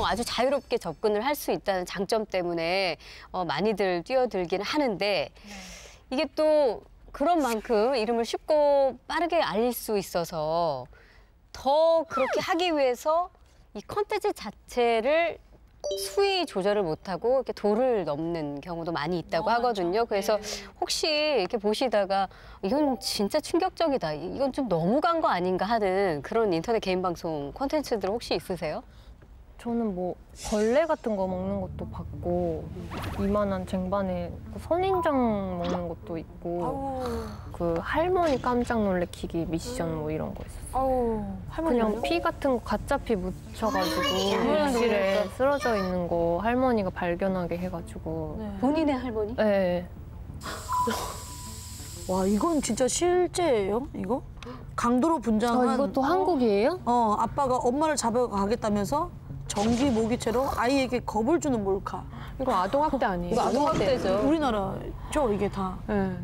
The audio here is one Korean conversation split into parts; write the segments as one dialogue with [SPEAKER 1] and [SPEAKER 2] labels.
[SPEAKER 1] 아주 자유롭게 접근을 할 수 있다는 장점 때문에 많이들 뛰어들기는 하는데 이게 또 그런 만큼 이름을 쉽고 빠르게 알릴 수 있어서 더 그렇게 하기 위해서 이 컨텐츠 자체를 수위 조절을 못하고 이렇게 도를 넘는 경우도 많이 있다고 하거든요. 그래서 혹시 이렇게 보시다가 이건 진짜 충격적이다, 이건 좀 너무 간 거 아닌가 하는 그런 인터넷 개인 방송 콘텐츠들 혹시 있으세요?
[SPEAKER 2] 저는 뭐 벌레 같은 거 먹는 것도 봤고 이만한 쟁반에 선인장 먹는 것도 있고 그 할머니 깜짝 놀래키기 미션 뭐 이런 거 있었어요. 그냥 피 같은 거 가짜 피 묻혀가지고 욕실에 쓰러져 있는 거 할머니가 발견하게 해가지고.
[SPEAKER 1] 본인의 할머니?
[SPEAKER 2] 네.
[SPEAKER 3] 와, 이건 진짜 실제예요? 이거? 강도로 분장한.
[SPEAKER 2] 이것도 한국이에요?
[SPEAKER 3] 아빠가 엄마를 잡아가겠다면서 전기 모기채로 아이에게 겁을 주는 몰카.
[SPEAKER 4] 이거 아동학대 아니에요?
[SPEAKER 1] 이거 아동학대죠.
[SPEAKER 3] 우리나라죠, 이게 다.
[SPEAKER 4] 네.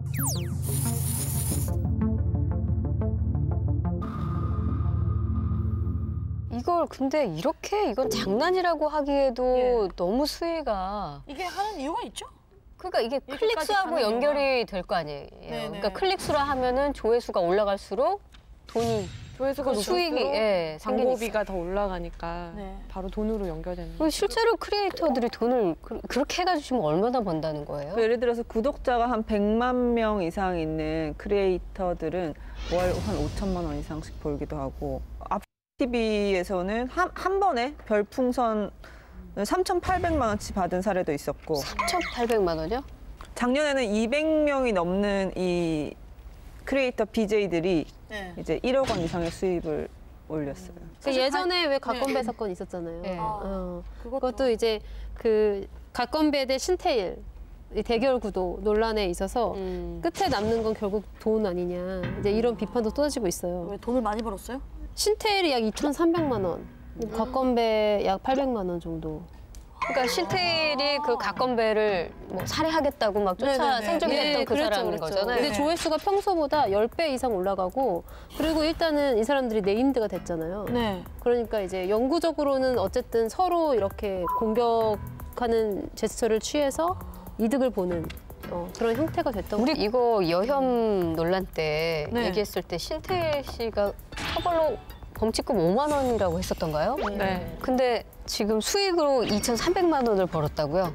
[SPEAKER 1] 이걸 근데 이건 장난이라고 하기에도 너무 수위가.
[SPEAKER 3] 이게 하는 이유가 있죠?
[SPEAKER 1] 그러니까 이게 클릭수하고 연결이 될 거 아니에요. 그러니까 클릭수라 하면은 조회수가 올라갈수록 돈이
[SPEAKER 4] 조회수가
[SPEAKER 1] 수익이
[SPEAKER 4] 광고비가 더 올라가니까 바로 돈으로 연결되는 거죠.
[SPEAKER 1] 실제로 크리에이터들이 돈을 그렇게 해가지고 얼마나 번다는 거예요?
[SPEAKER 5] 예를 들어서 구독자가 한 100만 명 이상 있는 크리에이터들은 월 한 5천만 원 이상씩 벌기도 하고, 앞TV에서는 한 번에 별풍선 3,800만 원치 받은 사례도 있었고.
[SPEAKER 1] 3,800만 원이요?
[SPEAKER 5] 작년에는 200명이 넘는 이 크리에이터 BJ들이 이제 1억 원 이상의 수입을 올렸어요.
[SPEAKER 6] 예전에 왜 갓건배 사건 있었잖아요. 그것도 이제 그 갓건배 대 신태일 대결 구도 논란에 있어서 끝에 남는 건 결국 돈 아니냐, 이제 이런 비판도 쏟아지고 있어요.
[SPEAKER 3] 왜 돈을 많이 벌었어요?
[SPEAKER 6] 신태일이 약 2,300만 원, 갓건배 약 800만 원 정도.
[SPEAKER 1] 그러니까 신태일이 그 갓건배를 뭐 살해하겠다고 막 쫓아 생존했던 그 사람인 거잖아요.
[SPEAKER 6] 근데 조회수가 평소보다 10배 이상 올라가고, 그리고 일단은 이 사람들이 네임드가 됐잖아요. 그러니까 이제 영구적으로는 어쨌든 서로 이렇게 공격하는 제스처를 취해서 이득을 보는 그런 형태가 됐던 거죠.
[SPEAKER 1] 우리 이거 여혐 논란 때 얘기했을 때 신태일 씨가 처벌로 범칙금 5만 원이라고 했었던가요?
[SPEAKER 4] 네.
[SPEAKER 1] 근데 지금 수익으로 2,300만 원을 벌었다고요?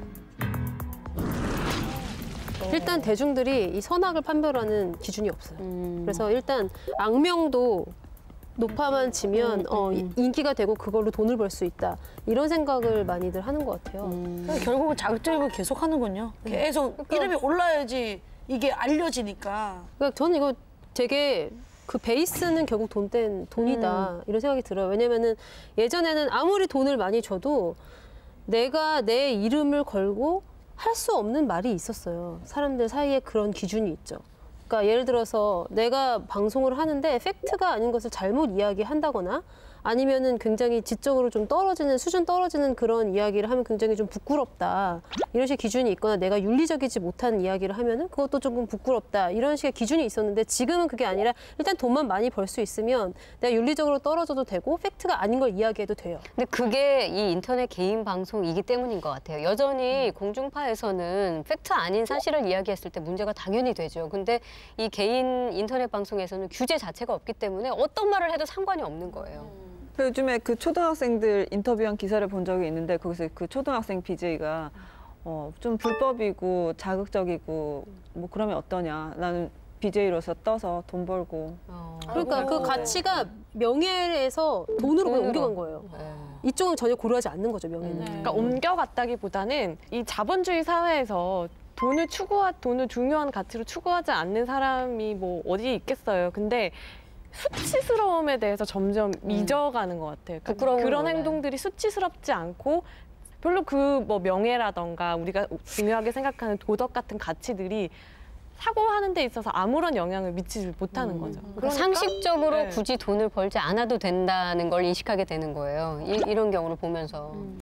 [SPEAKER 6] 일단 대중들이 이 선악을 판별하는 기준이 없어요. 그래서 일단 악명도 높아만 치면 인기가 되고 그걸로 돈을 벌 수 있다, 이런 생각을 많이들 하는 것 같아요.
[SPEAKER 3] 결국은 자극적이고 계속 하는군요. 계속 이름이 올라야지 이게 알려지니까.
[SPEAKER 6] 그러니까 저는 이거 되게 그 베이스는 결국 돈이다, 이런 생각이 들어요. 왜냐면은 예전에는 아무리 돈을 많이 줘도 내가 내 이름을 걸고 할 수 없는 말이 있었어요. 사람들 사이에 그런 기준이 있죠. 그러니까 예를 들어서 내가 방송을 하는데 팩트가 아닌 것을 잘못 이야기한다거나 아니면은 굉장히 지적으로 좀 수준 떨어지는 그런 이야기를 하면 굉장히 좀 부끄럽다, 이런 식의 기준이 있거나 내가 윤리적이지 못한 이야기를 하면은 그것도 조금 부끄럽다, 이런 식의 기준이 있었는데 지금은 그게 아니라 일단 돈만 많이 벌 수 있으면 내가 윤리적으로 떨어져도 되고 팩트가 아닌 걸 이야기해도 돼요.
[SPEAKER 1] 근데 그게 이 인터넷 개인 방송이기 때문인 것 같아요. 여전히 공중파에서는 팩트 아닌 사실을 이야기했을 때 문제가 당연히 되죠. 근데 이 개인 인터넷 방송에서는 규제 자체가 없기 때문에 어떤 말을 해도 상관이 없는 거예요.
[SPEAKER 5] 요즘에 그 초등학생들 인터뷰한 기사를 본 적이 있는데, 거기서 그 초등학생 BJ가 좀 불법이고 자극적이고 뭐 그러면 어떠냐, 나는 BJ로서 떠서 돈 벌고.
[SPEAKER 6] 그러니까 그 가치가 명예에서 돈으로 그냥 옮겨간 거예요. 이쪽은 전혀 고려하지 않는 거죠, 명예는.
[SPEAKER 4] 그러니까 옮겨갔다기보다는 이 자본주의 사회에서 돈을 중요한 가치로 추구하지 않는 사람이 뭐 어디 있겠어요. 근데 수치스러움에 대해서 점점 잊어가는 것 같아요. 그러니까 그런 행동들이 수치스럽지 않고 별로 그 뭐 명예라던가 우리가 중요하게 생각하는 도덕 같은 가치들이 사고하는 데 있어서 아무런 영향을 미치지 못하는 거죠.
[SPEAKER 1] 그러니까 상식적으로 굳이 돈을 벌지 않아도 된다는 걸 인식하게 되는 거예요. 이런 경우를 보면서.